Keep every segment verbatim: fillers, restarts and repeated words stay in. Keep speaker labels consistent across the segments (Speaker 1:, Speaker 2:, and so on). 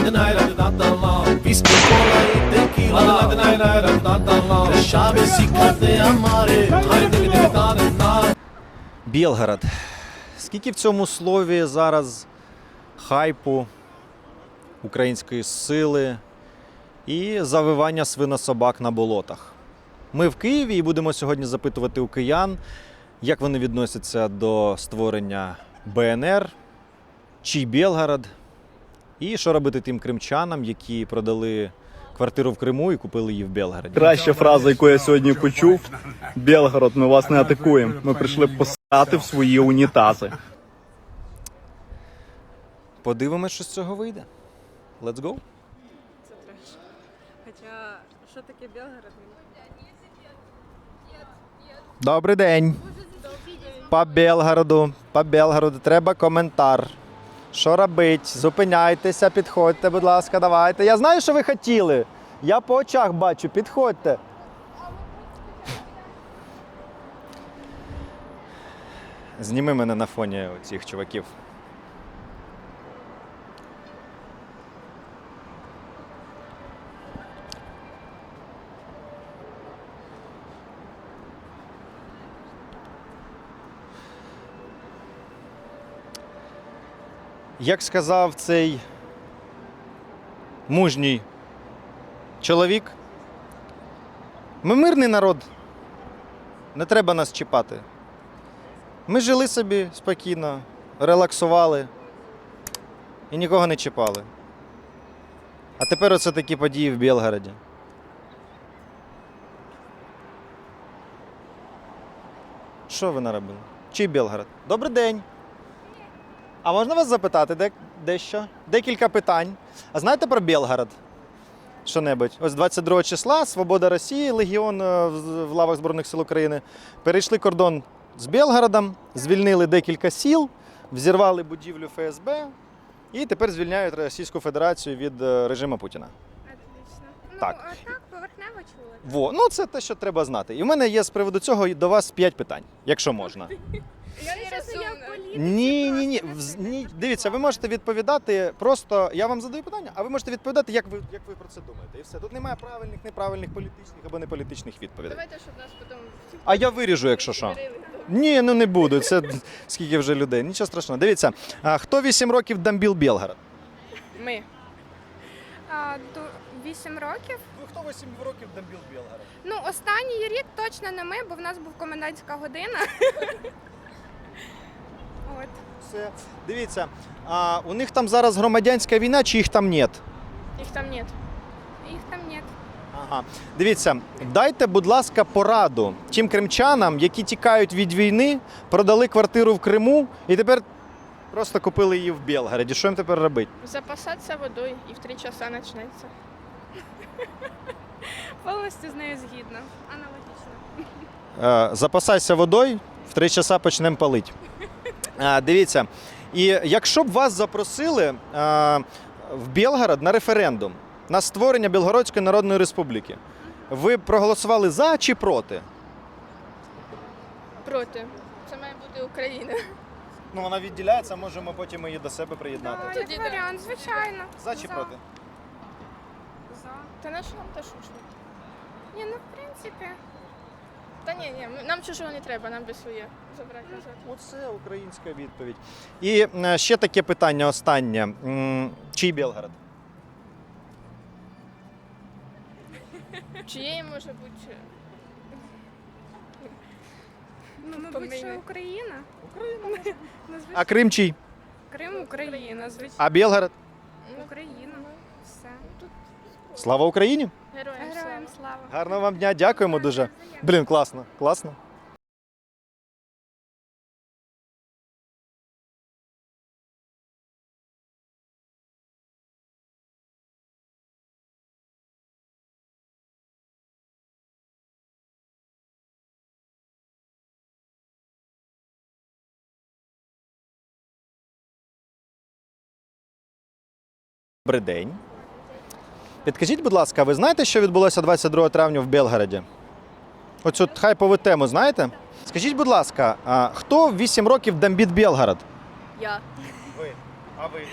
Speaker 1: Whisky, cola y tequila. Llaves y de amare.
Speaker 2: Білгород. Скільки в цьому слові зараз хайпу, української сили і завивання свинособак на болотах. Ми в Києві і будемо сьогодні запитувати у киян, як вони відносяться до створення Б Н Р, чий Білгород, і що робити тим кримчанам, які продали квартиру в Криму і купили її в Білгороді.
Speaker 3: Краща фраза, яку я сьогодні почув: Білгород, ми вас не атакуємо. Ми прийшли посрати в свої унітази.
Speaker 2: Подивимось, що з цього вийде. Let's go!
Speaker 4: Це треш. Хоча, що таке Білгород?
Speaker 2: Добрий день. По Білгороду, по Білгороду треба коментар. Що робить? Зупиняйтеся, підходьте, будь ласка, давайте. Я знаю, що ви хотіли. Я по очах бачу, підходьте. Зніми мене на фоні цих чуваків. Як сказав цей мужній чоловік, ми мирний народ, не треба нас чіпати. Ми жили собі спокійно, релаксували і нікого не чіпали. А тепер оце такі події в Білгороді. Що ви наробили? Чий Білгород? Добрий день! А можна вас запитати де, дещо? Декілька питань. А знаєте про Білгород? Що-небудь? Ось двадцять другого числа Свобода Росії, Легіон в лавах Збройних сил України перейшли кордон з Білгородом, звільнили декілька сіл, взірвали будівлю Ф С Б і тепер звільняють Російську Федерацію від режиму Путіна.
Speaker 4: Отлично.
Speaker 2: Так.
Speaker 4: Ну, а так, поверхнево чули.
Speaker 2: Во, ну це те, що треба знати. І в мене є з приводу цього до вас п'ять питань, якщо можна.
Speaker 4: Я не розумію.
Speaker 2: Ні, ні, ні. Вз- ні. Дивіться, ви можете відповідати просто, я вам задаю питання, а ви можете відповідати, як ви, як ви про це думаєте. І все. Тут немає правильних, неправильних, політичних або неполітичних відповідей.
Speaker 4: Давайте, щоб нас потім...
Speaker 2: А я виріжу, якщо що. Ні, ну не буду. Це скільки вже людей. Нічого страшного. Дивіться, а хто вісім років дамбіл Білгород?
Speaker 4: Ми.
Speaker 5: А, до вісім років.
Speaker 2: Ну хто вісім років дамбіл Білгород?
Speaker 5: Ну, останній рік точно не ми, бо в нас був комендантська година. От.
Speaker 2: Все. Дивіться, а у них там зараз громадянська війна, чи їх там нет?
Speaker 4: Їх там нет.
Speaker 5: Їх там нет.
Speaker 2: Ага. Дивіться, дайте, будь ласка, пораду тим кримчанам, які тікають від війни, продали квартиру в Криму і тепер просто купили її в Білгороді. Що їм тепер робити?
Speaker 4: Запасатися водою і в три часа почнеться.
Speaker 5: Повністю з нею згідна. Аналогічно.
Speaker 2: Е, запасайся водою, в три часа почнемо палити. Е, дивіться, і якщо б вас запросили е, в Білгород на референдум, на створення Білгородської Народної Республіки, ви б проголосували за чи проти?
Speaker 4: Проти. Це має бути Україна.
Speaker 2: Ну, вона відділяється, можемо потім її до себе приєднати.
Speaker 5: Так,
Speaker 4: Тоді
Speaker 5: як
Speaker 4: да.
Speaker 5: варіант, звичайно.
Speaker 2: За чи проти?
Speaker 5: За.
Speaker 4: Та на що нам та шушно?
Speaker 5: Ні, ну в принципі.
Speaker 4: Та ні, ні, нам чужого не треба, нам би своє забрати назад.
Speaker 2: Оце українська відповідь. І е, ще таке питання останнє. М, Чий Білгород?
Speaker 4: Чиєї може бути?
Speaker 5: Ну, мабуть,
Speaker 4: Помийне.
Speaker 5: що Україна.
Speaker 2: Україна.
Speaker 5: Ну, звичайно.
Speaker 2: А Крим чий?
Speaker 5: Крим Україна, звичайно.
Speaker 2: А Білгород?
Speaker 4: Ну,
Speaker 5: Україна. Все.
Speaker 2: Слава Україні!
Speaker 4: Героям слава.
Speaker 5: Героям слава.
Speaker 2: Гарного вам дня, дякуємо дуже. Блін, класно, класно. Добрий день. Підкажіть, будь ласка, ви знаєте, що відбулося двадцять другого травня в Білгороді? Оцю хайпову тему знаєте? Скажіть, будь ласка, а хто в вісім років дамбіт Білгород?
Speaker 4: Я.
Speaker 2: Ви. А ви?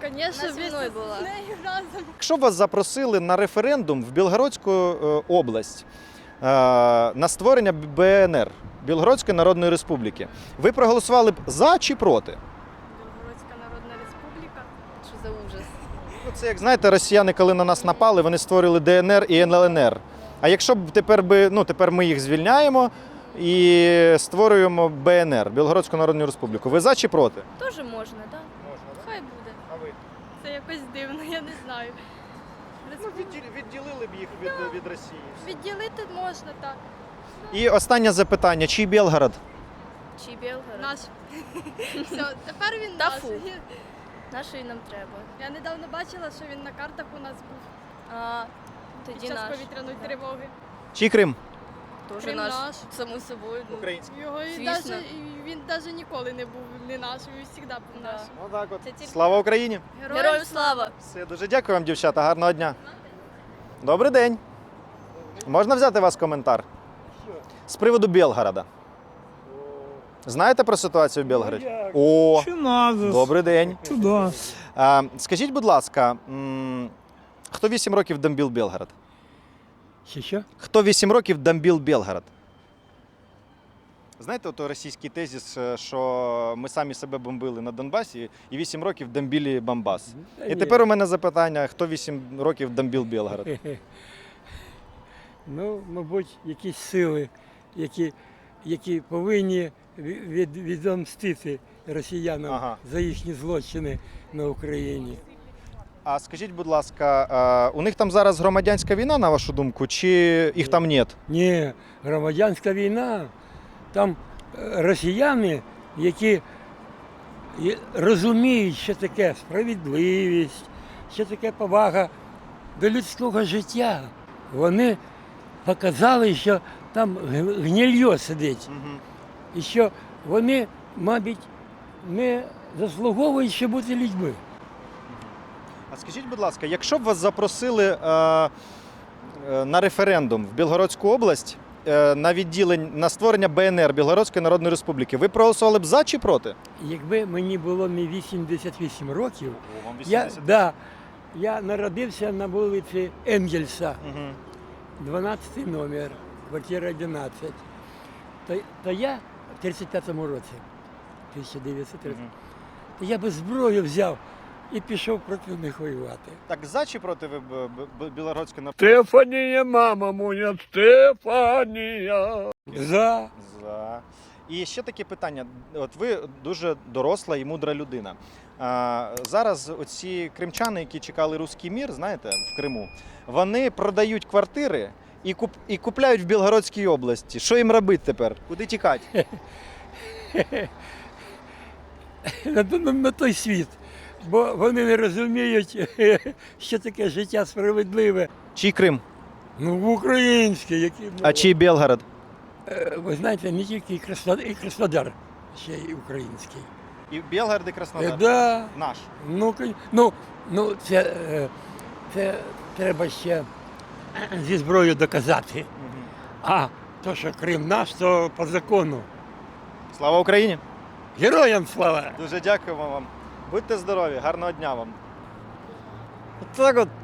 Speaker 6: Конечно,
Speaker 4: Вона зі мною була.
Speaker 6: з нею разом.
Speaker 2: Якщо б вас запросили на референдум в Білгородську е, область е, на створення Б Н Р, Білгородської Народної Республіки, ви проголосували б за чи проти?
Speaker 6: Білгородська Народна Республіка.
Speaker 4: Що за ужас?
Speaker 2: Ну, це, як знаєте, росіяни, коли на нас напали, вони створили Д Н Р і Н Л Н Р. А якщо б тепер би, ну, тепер ми їх звільняємо і створюємо Б Н Р, Білгородську Народну Республіку. Ви за чи проти?
Speaker 6: Теж можна, так?
Speaker 2: Можна,
Speaker 6: Хай буде.
Speaker 2: А ви?
Speaker 6: Це якось дивно, я не знаю.
Speaker 2: Ну, відділили б їх від, від Росії.
Speaker 6: Відділити можна, так.
Speaker 2: І останнє запитання. Чий Білгород?
Speaker 4: Чи Білгород?
Speaker 6: Наш. Все, тепер він
Speaker 4: Та
Speaker 6: наш.
Speaker 4: фу. Нашої нам треба.
Speaker 6: Я недавно бачила, що він на картах у нас був
Speaker 4: А,
Speaker 6: під
Speaker 4: тоді
Speaker 6: час
Speaker 4: наш.
Speaker 6: повітряної тривоги.
Speaker 2: Чий Крим?
Speaker 4: Тоже
Speaker 6: Крим
Speaker 4: наш.
Speaker 6: наш.
Speaker 4: Само собою. ну.
Speaker 2: Український.
Speaker 6: Його і
Speaker 4: Звісно.
Speaker 6: даже, і він навіть ніколи не був не наш, він завжди був
Speaker 4: Да.
Speaker 6: наш.
Speaker 2: Отак от.
Speaker 4: Це тільки-
Speaker 2: Слава Україні!
Speaker 4: Героям слава!
Speaker 2: Все, дуже дякую вам, дівчата. Гарного дня. Добрий день. Можна взяти у вас коментар? З приводу Білгорода. Знаєте про ситуацію в Білгороді? О,
Speaker 7: Що надо?
Speaker 2: добрий день.
Speaker 7: Туди.
Speaker 2: А, скажіть, будь ласка, м, хто вісім років дамбіл Білгород?
Speaker 7: Що, що?
Speaker 2: Хто вісім років дамбіл Білгород? Знаєте, ото російський тезіс, е, що ми самі себе бомбили на Донбасі і вісім років дамбілі Бомбас.
Speaker 7: Та
Speaker 2: І
Speaker 7: ні.
Speaker 2: тепер у мене запитання, хто вісім років дамбіл Білгород?
Speaker 7: Ну, мабуть, якісь сили, які, які повинні ві- від, відомстити росіянам
Speaker 2: Ага.
Speaker 7: за їхні злочини на Україні.
Speaker 2: А скажіть, будь ласка, е, у них там зараз громадянська війна, на вашу думку, чи їх там нет?
Speaker 7: Ні, громадянська війна. Там е, росіяни, які є- розуміють, що таке справедливість, що таке повага до людського життя. Вони показали, що там г- гнильо сидить. І що вони, мабуть, не заслуговують ще бути людьми.
Speaker 2: А скажіть, будь ласка, якщо б вас запросили е, е, на референдум в Білгородську область е, на відділення на створення Б Н Р Білгородської Народної Республіки, ви проголосували б за чи проти?
Speaker 7: Якби мені було не вісімдесят вісім років, я, да, я народився на вулиці Енгельса,
Speaker 2: Мгм.
Speaker 7: дванадцятий номер, квартира одинадцять. То, то я в тридцять п'ятому році, тисяча дев'ятсот тридцять,
Speaker 2: Мгм.
Speaker 7: то я би зброю взяв і пішов проти них воювати.
Speaker 2: Так за чи проти ви б- б- Білгородської Народної
Speaker 7: Стефанія, мама моя, Стефанія. За.
Speaker 2: За. І ще таке питання. От ви дуже доросла і мудра людина. А, зараз оці кримчани, які чекали руський мір, знаєте, в Криму, вони продають квартири і, куп, і купляють в Білгородській області. Що їм робити тепер? Куди тікати?
Speaker 7: на, на, на той світ. Бо вони не розуміють, що таке життя справедливе.
Speaker 2: Чий Крим?
Speaker 7: Ну, в українське, які ну,
Speaker 2: А чий Білгород?
Speaker 7: е, ви знаєте, не тільки і Краснодар, і Краснодар ще й український.
Speaker 2: І Білгород, і
Speaker 7: Е,
Speaker 2: Краснодар.
Speaker 7: да,
Speaker 2: Наш.
Speaker 7: ну, кон- ну, ну це, е, це треба ще зі зброєю доказати.
Speaker 2: Мгм.
Speaker 7: А то, що Крим наш, то по закону.
Speaker 2: Слава Україні!
Speaker 7: Героям слава!
Speaker 2: Дуже дякуємо вам. Будьте здорові, гарного дня вам. От так от.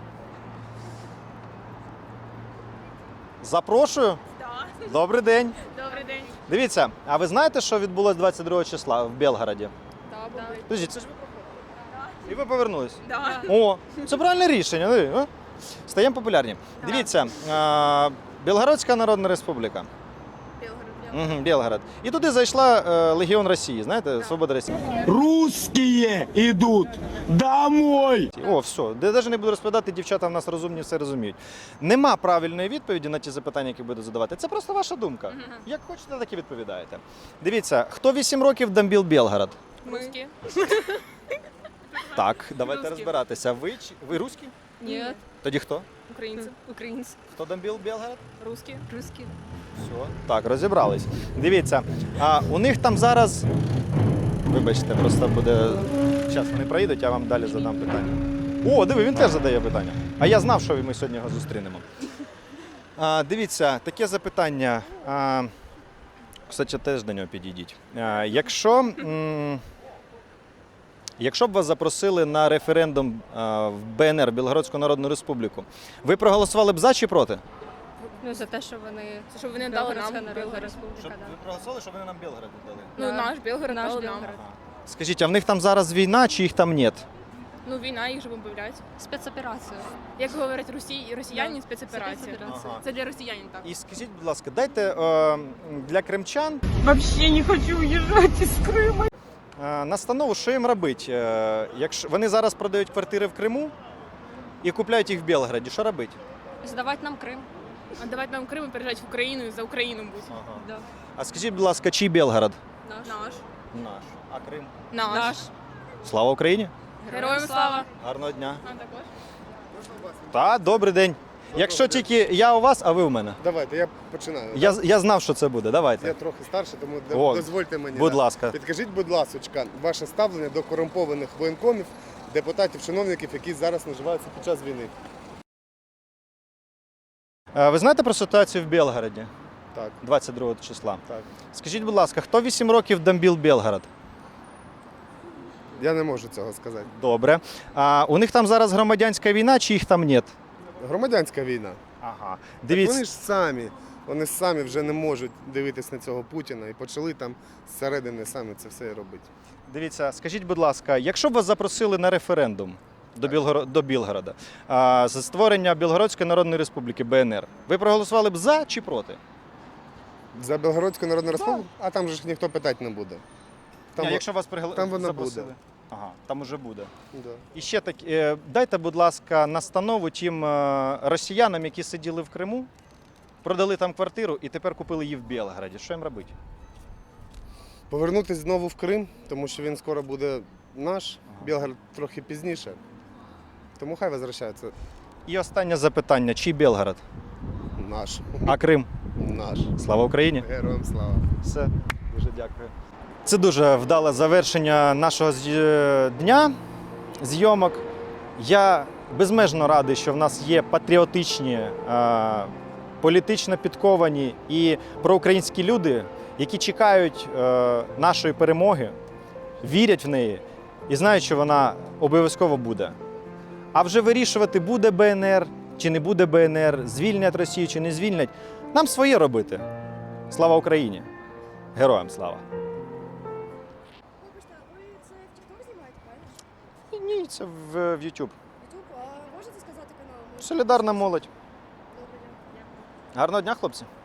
Speaker 2: Запрошую. Добрий день.
Speaker 6: Добрий день.
Speaker 2: Дивіться, а ви знаєте, що відбулося двадцять другого числа в Білгороді?
Speaker 6: Да, були.
Speaker 2: Подождіть, це ж ви проходили. І ви повернулись?
Speaker 6: Да.
Speaker 2: О, це правильне рішення. диви, а? Стаємо популярні. Дивіться, а, Білгородська Народна Республіка.
Speaker 6: Білгород.
Speaker 2: Угу, Білгород. І туди зайшла е, Легіон Росії, знаєте, Свобода Росії.
Speaker 8: Русские идут домой!
Speaker 2: О, все, де навіть не буду розповідати, дівчата в нас розумні, все розуміють. Нема правильної відповіді на ті запитання, які буду задавати. Це просто ваша думка. Як хочете, так і відповідаєте. Дивіться, хто вісім років дамбіл Білгород?
Speaker 4: Русські?
Speaker 2: Так, давайте
Speaker 4: Русські.
Speaker 2: розбиратися. Ви, чи- ви русські?
Speaker 4: Ні.
Speaker 2: Тоді хто?
Speaker 4: Українці. Українці.
Speaker 2: Хто дамбіл Білгород?
Speaker 4: Русські. Русські.
Speaker 2: Все, так, розібрались. Дивіться, а у них там зараз. Вибачте, просто буде. Зараз вони проїдуть, я вам далі задам питання. О, диви, він теж задає питання. А я знав, що ми сьогодні його зустрінемо. А, дивіться, таке запитання. А, кстати, теж до нього підійдіть. А, якщо. М- Якщо б вас запросили на референдум а, в Б Н Р, Білгородську Народну Республіку, ви проголосували б за чи проти?
Speaker 6: Ну, за те, що вони
Speaker 4: Це щоб вони дали нам
Speaker 6: Білгородська Народна
Speaker 4: Білгород.
Speaker 6: Республіка.
Speaker 2: Щоб
Speaker 6: да.
Speaker 2: ви проголосували, щоб вони нам Білгород дали.
Speaker 4: Ну,
Speaker 6: Да.
Speaker 4: наш Білгород
Speaker 6: Наш
Speaker 4: дали нам.
Speaker 6: Білгород.
Speaker 2: Скажіть, а в них там зараз війна чи їх там нет?
Speaker 4: Ну, війна, їх же бомблять.
Speaker 6: Спецоперація.
Speaker 4: Як говорять росі... росіяни,
Speaker 6: Да.
Speaker 4: спецоперація.
Speaker 6: Спецоперація.
Speaker 2: Ага.
Speaker 4: Це для росіянин так.
Speaker 2: І скажіть, будь ласка, дайте е, для кримчан
Speaker 9: Вообще не хочу уезжать из Крыма.
Speaker 2: е, настанову, що їм робити. Е, якщо вони зараз продають квартири в Криму і купляють їх в Білгороді, що робити?
Speaker 6: Здавати нам Крим.
Speaker 4: А давайте нам Крим і переїжджати в Україну і за Україну бути.
Speaker 6: Да.
Speaker 2: А скажіть, будь ласка, чий Білгород?
Speaker 6: Наш.
Speaker 4: Наш.
Speaker 2: Наш. А Крим?
Speaker 4: Наш.
Speaker 6: Наш.
Speaker 2: Слава Україні!
Speaker 4: Героям слава.
Speaker 2: Гарного дня!
Speaker 4: А також.
Speaker 2: Та, добрий день. Якщо тільки я у вас, а ви у мене.
Speaker 10: Давайте, я починаю.
Speaker 2: Я, я знав, що це буде.
Speaker 10: Я
Speaker 2: Давайте.
Speaker 10: трохи старший, тому
Speaker 2: О,
Speaker 10: дозвольте мені.
Speaker 2: Будь
Speaker 10: да.
Speaker 2: ласка.
Speaker 10: Підкажіть, будь ласка, ваше ставлення до корумпованих воєнкомів, депутатів, чиновників, які зараз наживаються під час війни.
Speaker 2: Е, Ви знаєте про ситуацію в Білгороді
Speaker 10: Так,
Speaker 2: двадцять другого числа?
Speaker 10: так.
Speaker 2: Скажіть, будь ласка, хто вісім років бомбив Білгород?
Speaker 10: Я не можу цього сказати.
Speaker 2: Добре. А у них там зараз громадянська війна, чи їх там нет?
Speaker 10: Громадянська війна.
Speaker 2: Ага.
Speaker 10: Так
Speaker 2: Дивіться.
Speaker 10: вони ж самі, вони самі вже не можуть дивитись на цього Путіна і почали там зсередини самі це все робити.
Speaker 2: Дивіться, скажіть, будь ласка, якщо б вас запросили на референдум до, Білгоро... до Білгорода а, за створення Білгородської Народної Республіки Б Н Р, ви проголосували б за чи проти?
Speaker 10: За Білгородську Народну Республіку? А там же ж ніхто питати не буде. Там,
Speaker 2: Ні,
Speaker 10: во-
Speaker 2: якщо вас пригла...
Speaker 10: там вона
Speaker 2: запросили.
Speaker 10: буде.
Speaker 2: Ага, там уже буде.
Speaker 10: да.
Speaker 2: І ще так, е, дайте, будь ласка, настанову тим е, росіянам, які сиділи в Криму, продали там квартиру і тепер купили її в Білгороді. Що їм робити?
Speaker 10: Повернутись знову в Крим, тому що він скоро буде наш, Білгород трохи пізніше. Тому хай возвращаються.
Speaker 2: І останнє запитання: чий Білгород?
Speaker 10: Наш.
Speaker 2: А Крим?
Speaker 10: Наш.
Speaker 2: Слава Україні!
Speaker 10: Героям слава.
Speaker 2: Все, дуже дякую. Це дуже вдале завершення нашого з- дня зйомок. Я безмежно радий, що в нас є патріотичні, е, політично підковані і проукраїнські люди, які чекають е, нашої перемоги, вірять в неї і знають, що вона обов'язково буде. А вже вирішувати, буде Б Н Р чи не буде Б Н Р, звільнять Росію чи не звільнять, нам своє робити. Слава Україні! Героям слава!
Speaker 5: Вибачте, ви це в TikTok знімаєте, правильно?
Speaker 2: Ні, це в, в YouTube.
Speaker 5: Ютуб, а можете сказати канал? Може,
Speaker 2: Солідарна молодь.
Speaker 5: добре, дякую.
Speaker 2: Гарного дня, хлопці!